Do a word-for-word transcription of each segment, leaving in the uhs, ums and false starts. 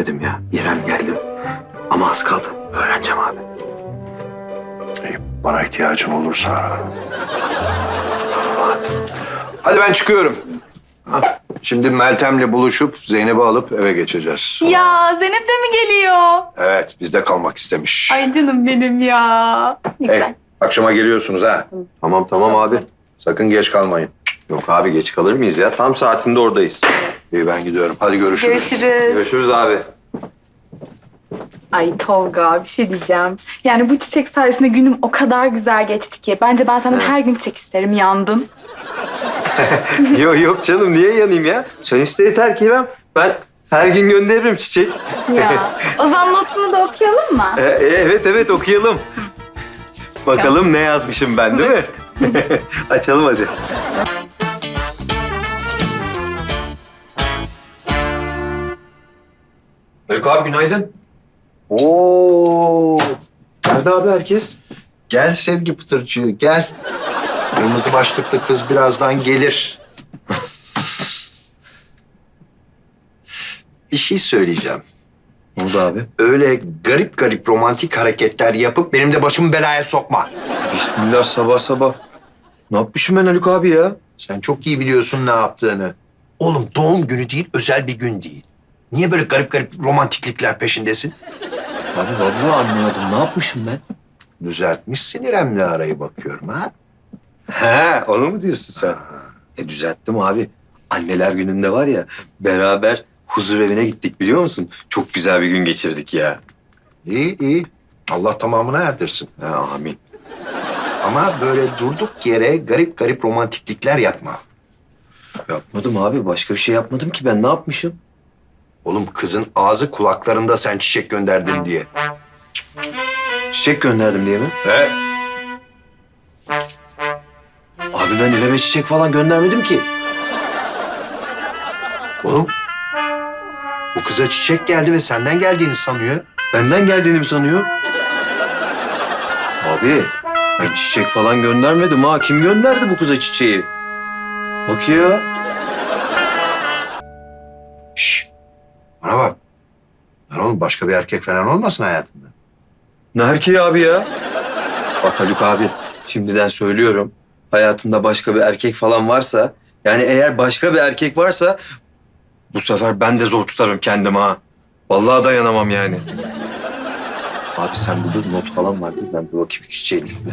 öğrenemedim ya. İrem geldim. Ama az kaldı. Öğreneceğim abi. İyi, bana ihtiyacın olursa ara. Hadi ben çıkıyorum. Ha, şimdi Meltem'le buluşup Zeynep'i alıp eve geçeceğiz. Ya Zeynep de mi geliyor? Evet, bizde kalmak istemiş. Ay canım benim ya. Ne Hey, güzel. akşama geliyorsunuz ha. Tamam tamam abi. Sakın geç kalmayın. Yok abi geç kalır mıyız ya? Tam saatinde oradayız. İyi, ben gidiyorum. Hadi görüşürüz. Görüşürüz. Görüşürüz abi. Ay Tolga bir şey diyeceğim. Yani bu çiçek sayesinde günüm o kadar güzel geçti ki. Bence ben senden her gün çiçek isterim. Yandın. yok yok canım niye yanayım ya? Sen iste yeter ki ben. Ben her gün gönderirim çiçek. Ya. O zaman notunu da okuyalım mı? E, e, evet evet okuyalım. Bakalım ne yazmışım ben değil mi? Açalım hadi. Haluk abi günaydın. Oo. Nerede abi herkes? Gel sevgi pıtırcığı, gel. Kırmızı başlıklı kız birazdan gelir. Bir şey söyleyeceğim. Ne oldu abi? Öyle garip garip romantik hareketler yapıp benim de başımı belaya sokma. Bismillah sabah sabah. Ne yapmışım ben Haluk abi ya? Sen çok iyi biliyorsun ne yaptığını. Oğlum doğum günü değil, özel bir gün değil. Niye böyle garip garip romantiklikler peşindesin? Abi vallahi anlamadım. Ne yapmışım ben? Düzeltmişsin İrem'le arayı bakıyorum ha. He, onu mu diyorsun sen? E düzelttim abi. Anneler gününde var ya, beraber huzur evine gittik biliyor musun? Çok güzel bir gün geçirdik ya. İyi iyi. Allah tamamını erdirsin. Ha, amin. Ama böyle durduk yere garip garip romantiklikler yapma. Yapmadım abi. Başka bir şey yapmadım ki ben. Ne yapmışım? Oğlum kızın ağzı kulaklarında sen çiçek gönderdin diye. Çiçek gönderdim diye mi? He? Abi ben İrem'e çiçek falan göndermedim ki. Oğlum bu kıza çiçek geldi ve senden geldiğini sanıyor. Benden geldiğini mi sanıyor? Abi ben çiçek falan göndermedim ha. Kim gönderdi bu kıza çiçeği? Bak ya. Şş, bana bak. Lan oğlum başka bir erkek falan olmasın hayatında. Ne erkeği abi ya? Bak Haluk abi şimdiden söylüyorum. Hayatında başka bir erkek falan varsa... Yani eğer başka bir erkek varsa... Bu sefer ben de zor tutarım kendimi ha. Vallahi dayanamam yani. Abi sen burada not falan var değil mi? Ben bir bakayım şu çiçeğin üstüne.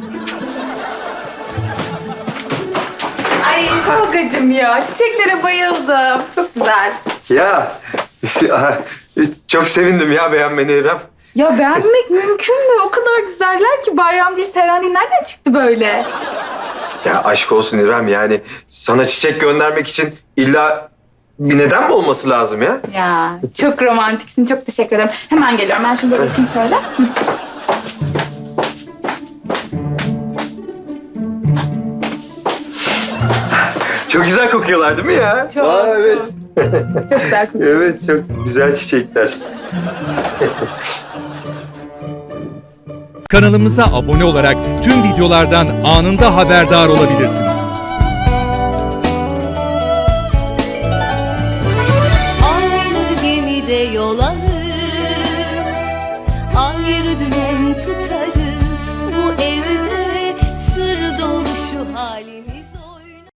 Ay Tolgacığım ya çiçeklere bayıldım. Çok güzel. Ya çok sevindim ya beğenmeni İrem. Ya beğenmek mümkün mü? O kadar güzeller ki bayram değil, seyran değil. Nereden çıktı böyle? Ya aşk olsun İrem yani sana çiçek göndermek için illa bir neden mi olması lazım ya? Ya çok romantiksin. Çok teşekkür ederim. Hemen geliyorum. Ben şunu böyle bakayım şöyle. Hı. Çok güzel kokuyorlar değil mi ya? Çok, Aa, evet. çok. Çok güzel kokuyor. Evet çok güzel çiçekler. Kanalımıza abone olarak tüm videolardan anında haberdar olabilirsiniz. Aynı gemide yol alır, ayrı dümen tutarız.